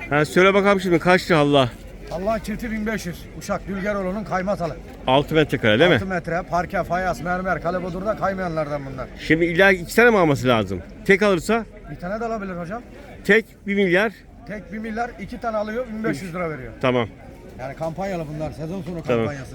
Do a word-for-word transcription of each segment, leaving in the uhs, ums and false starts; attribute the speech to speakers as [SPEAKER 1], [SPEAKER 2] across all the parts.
[SPEAKER 1] Ha, söyle bakalım şimdi kaç lira Allah?
[SPEAKER 2] Allah'ın çifti bin beş yüz. Uşak Dülgeroğlu'nun kaymatalı.
[SPEAKER 1] altı metrekare değil mi?
[SPEAKER 2] altı metre, parke, fayans, mermer, kalebodurda kaymayanlardan bunlar.
[SPEAKER 1] Şimdi illa iki tane mi alması lazım? Tek alırsa
[SPEAKER 2] Bir tane de alabilir hocam.
[SPEAKER 1] tek bir milyar.
[SPEAKER 2] Tek bir milyar, iki tane alıyor, bin beş yüz lira veriyor.
[SPEAKER 1] Tamam.
[SPEAKER 2] Yani kampanyalı bunlar, sezon sonu
[SPEAKER 1] Tamam.
[SPEAKER 2] kampanyası.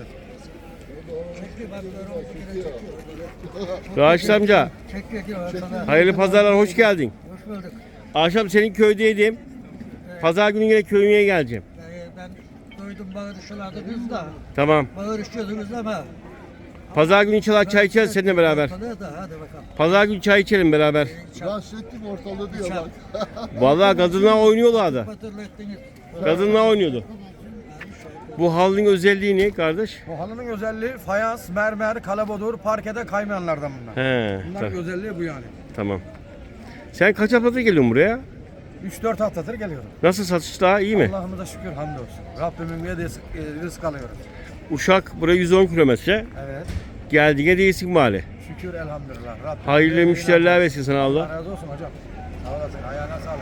[SPEAKER 1] Raşit amca, hayırlı pazarlar, hoş geldin.
[SPEAKER 3] Hoş bulduk.
[SPEAKER 1] Akşam senin köydeydim. Pazar günü yine köyüne geleceğim.
[SPEAKER 3] Ee, ben duydum bağırışlardınız da.
[SPEAKER 1] Tamam.
[SPEAKER 3] Bağırışıyordunuz ama.
[SPEAKER 1] Pazar günü inşallah çay içeriz seninle beraber.
[SPEAKER 3] Ortalığı da, hadi bakalım.
[SPEAKER 1] Pazar günü çay içelim beraber.
[SPEAKER 4] Bahsettim ortalığı diyor bak.
[SPEAKER 1] Vallahi kadınlar oynuyorlardı.
[SPEAKER 3] Hatırlı ettiniz.
[SPEAKER 1] Kadınlar oynuyordu. Bu halının özelliği ne kardeş?
[SPEAKER 2] Bu halının özelliği fayans, mermer, kalebodur, parkede kaymayanlardan bunlar.
[SPEAKER 1] He,
[SPEAKER 2] Bunların
[SPEAKER 1] ta-
[SPEAKER 2] özelliği bu yani.
[SPEAKER 1] tamam. Sen kaç haftadır geliyorsun buraya?
[SPEAKER 2] üç dört haftadır geliyorum.
[SPEAKER 1] Nasıl satışlar iyi mi?
[SPEAKER 2] Allah'ıma şükür hamdolsun. Rabbimin verdiği e, rızk alıyoruz.
[SPEAKER 1] Uşak buraya yüz on kilometre.
[SPEAKER 2] Evet.
[SPEAKER 1] Geldiğine değilsin bari.
[SPEAKER 2] Şükür elhamdülillah. Rabbim
[SPEAKER 1] Hayırlı
[SPEAKER 2] verdiği
[SPEAKER 1] müşteriler
[SPEAKER 2] hamd-
[SPEAKER 1] versin sana Allah.
[SPEAKER 2] Allah razı olsun hocam. Sağ olasın. Ayağına sağlık.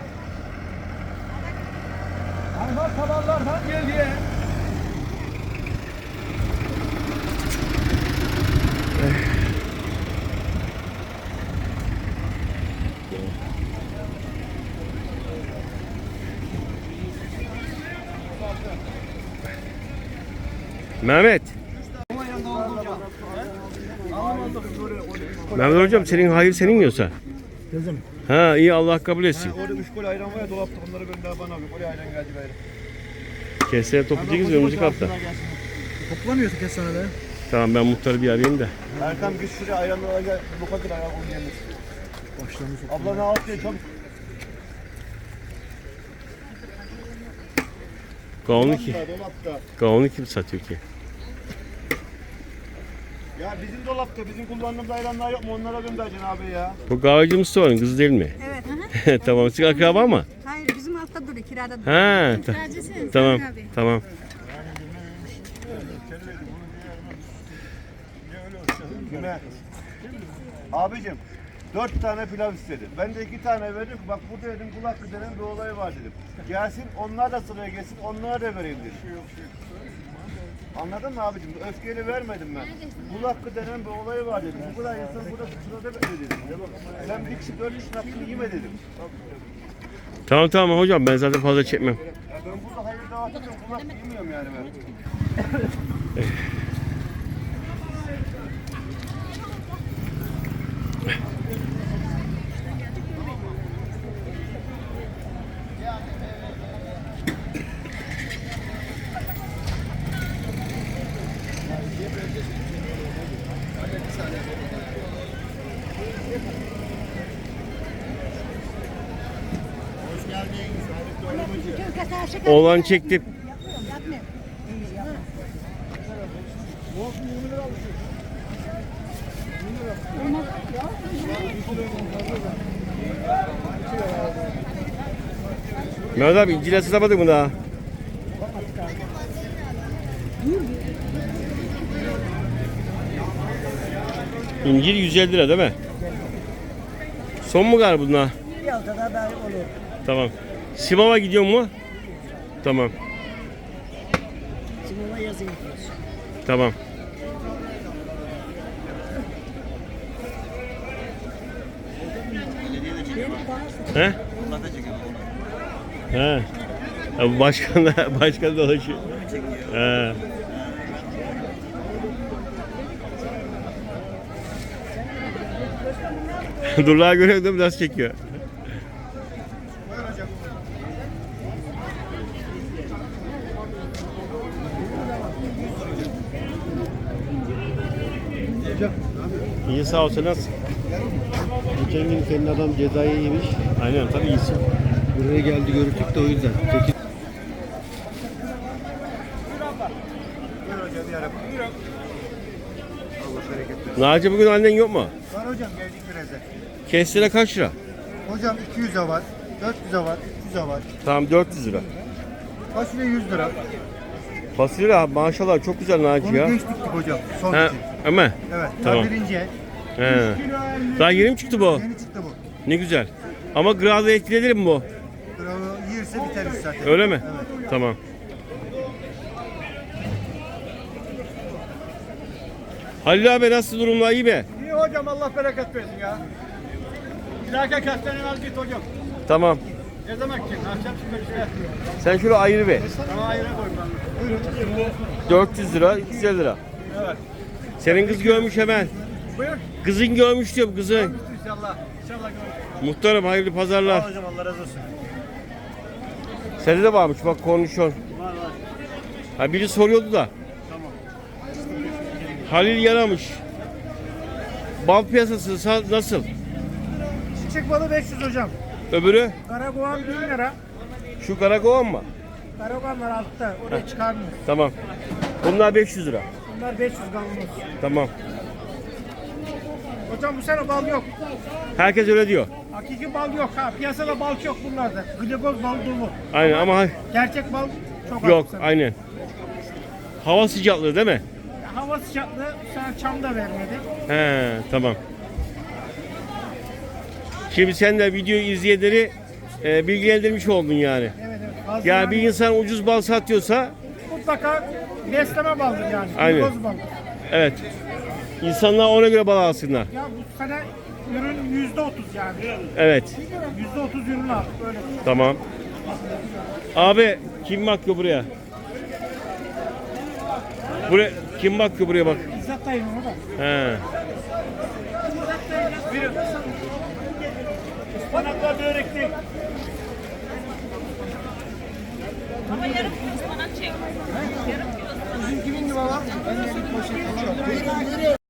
[SPEAKER 2] Hayvan tabanlardan geldi.
[SPEAKER 1] Mehmet. Mehmet hocam senin hayır senin yiyorsa.
[SPEAKER 2] Kızım.
[SPEAKER 1] Ha iyi Allah kabul etsin.
[SPEAKER 2] Orada üç kol ayran var ya dolapta onları gönder bana abi. Oraya ayran geldi böyle.
[SPEAKER 1] Keseye toplayacağız önümüzdeki hafta.
[SPEAKER 2] Toplamıyorsun kestanede.
[SPEAKER 1] Tamam ben muhtarı bir arayayım da.
[SPEAKER 2] Erkan git şuraya ayranla gel. Bu kadar ayran onu yemiş. Başlamış. Abla ne yapıyor çabuk.
[SPEAKER 1] Kavunu ki.
[SPEAKER 2] Dolapta.
[SPEAKER 1] Kavunu kim satıyor ki?
[SPEAKER 2] Ya bizim dolapta bizim kullandığımız ayranlar yok mu? Onlara göndereceksin abi ya.
[SPEAKER 1] Bu kahveci Mustafa'nın kızı değil mi?
[SPEAKER 5] Evet. Hı hı.
[SPEAKER 1] Tamam. Siz akraba mı?
[SPEAKER 5] Hayır bizim altta duruyor kirada duruyor.
[SPEAKER 1] Ha. ta-
[SPEAKER 5] Kiracısın
[SPEAKER 1] tamam.
[SPEAKER 5] Sarı abi.
[SPEAKER 1] Tamam.
[SPEAKER 2] Kime? Abicim dört tane pilav istedi. Ben de iki tane verdim. Bak burada dedim kulak kıdının bir olayı var dedim. Gelsin onlar da sıraya gelsin onlara da vereyim dedim. Anladın mı abicim? Öfkeyle vermedim ben. Kulak kıdının bir olayı var dedim. Bu kadar insan burada sırada bekle dedim. Sen bir kişi dört kişinin hakkını yeme dedim.
[SPEAKER 1] Tamam tamam hocam ben zaten fazla çekmem.
[SPEAKER 2] Ya ben burada hayır dağıtıyorum. Kulak yemiyorum yani ben.
[SPEAKER 1] Oğlan çektim. Mehmet abi incile satamadın mı daha? İncir yüz elli lira değil mi? Son mu galiba bunlar?
[SPEAKER 3] Bir haftada ben olur.
[SPEAKER 1] Tamam. Simav'a gidiyor mu? Tamam.
[SPEAKER 3] Simama yazın gidiyoruz.
[SPEAKER 1] Tamam. He? He. Ya bu başkan da başkan dolaşıyor. He. Durlağa göre de biraz çekiyor. İyi sağ ol sen nasılsın?
[SPEAKER 4] Geçen gün senin adam cezayı yemiş.
[SPEAKER 1] Aynen tabii iyisin.
[SPEAKER 4] Buraya geldi gördük de o yüzden. Peki.
[SPEAKER 1] Naci bugün annen yok mu?
[SPEAKER 2] Var hocam geldik birazdan.
[SPEAKER 1] Kestire kaç lira?
[SPEAKER 2] Hocam iki yüze var, dört yüze var, üç yüze var.
[SPEAKER 1] Tamam dört yüz lira.
[SPEAKER 2] Fasulye yüz lira.
[SPEAKER 1] Fasulye abi maşallah çok güzel Naci
[SPEAKER 2] Onu
[SPEAKER 1] ya.
[SPEAKER 2] geç diktik hocam. Son
[SPEAKER 1] He,
[SPEAKER 2] için.
[SPEAKER 1] ama
[SPEAKER 2] Evet.
[SPEAKER 1] Tamam.
[SPEAKER 2] Tamam. Birinci el.
[SPEAKER 1] he. Daha yeni mi çıktı bu?
[SPEAKER 2] Yeni çıktı bu.
[SPEAKER 1] Ne güzel. Ama grazı etkilenir mi bu?
[SPEAKER 2] Bravo. Yiyirse biteriz. zaten.
[SPEAKER 1] Öyle mi? Tamam. Halil abi nasıl durumlar, iyi mi?
[SPEAKER 6] İyi hocam, Allah bereket versin ya. İlahi kastaneni al git hocam.
[SPEAKER 1] Tamam.
[SPEAKER 6] Ne zaman ki? Akşam şimdi işte.
[SPEAKER 1] Sen şöyle ayırı ver.
[SPEAKER 6] Tamam, ayrı koy ben. Buyurun.
[SPEAKER 1] dört yüz lira, iki yüz elli lira.
[SPEAKER 6] Evet.
[SPEAKER 1] Senin kız görmüş hemen.
[SPEAKER 6] Buyur.
[SPEAKER 1] Kızın görmüş diyorum, kızın.
[SPEAKER 6] İnşallah. İnşallah görüşürüz.
[SPEAKER 1] Muhtarım hayırlı pazarlar.
[SPEAKER 2] Hocam Allah razı olsun.
[SPEAKER 1] Sende de varmış bak, konuşuyor.
[SPEAKER 2] Var var.
[SPEAKER 1] Ha, biri soruyordu da. Halil yaramış. Bal piyasası sa- nasıl?
[SPEAKER 6] Çiçek balı beş yüz hocam.
[SPEAKER 1] Öbürü?
[SPEAKER 6] Karakoğan bin lira.
[SPEAKER 1] Şu karakovan mı?
[SPEAKER 6] Karakoğanlar altta. Oraya çıkarmıyor.
[SPEAKER 1] Tamam. Bunlar beş yüz lira.
[SPEAKER 6] Bunlar beş yüz kavanoz.
[SPEAKER 1] Tamam.
[SPEAKER 6] Hocam bu sene bal yok.
[SPEAKER 1] Herkes öyle diyor.
[SPEAKER 6] Hakiki bal yok ha. Piyasada bal yok bunlarda. Glikoz bal dolu.
[SPEAKER 1] Aynen ama
[SPEAKER 6] Gerçek bal çok az
[SPEAKER 1] yok,
[SPEAKER 6] bu sene.
[SPEAKER 1] aynen. Hava sıcaklığı değil mi?
[SPEAKER 6] Hava sıcaklığı bu sene çam da vermedi.
[SPEAKER 1] He, tamam. Şimdi sen de videoyu izleyenleri e, bilgilendirmiş oldun yani.
[SPEAKER 6] Evet evet. Fazla
[SPEAKER 1] Yani bir insan ucuz bal satıyorsa,
[SPEAKER 6] mutlaka besleme baldır yani.
[SPEAKER 1] Aynen.
[SPEAKER 6] Glikoz bal.
[SPEAKER 1] evet. İnsanlar ona göre bal alsınlar.
[SPEAKER 6] Ya bu sene ürün yüzde otuz yani.
[SPEAKER 1] Evet.
[SPEAKER 6] Yüzde otuz ürün aldık öyle.
[SPEAKER 1] Tamam. Abi kim bakıyor buraya? Buraya kim bakıyor buraya bak.
[SPEAKER 6] İzzet dayım o da.
[SPEAKER 1] He.
[SPEAKER 6] Buyurun. Ispanaklar börekli.
[SPEAKER 5] Ama yarım kilo ıspanak çek. Yarım kilo ıspanak.
[SPEAKER 6] Bizim kimin gibi var? Ben de bir poşet alıyorum.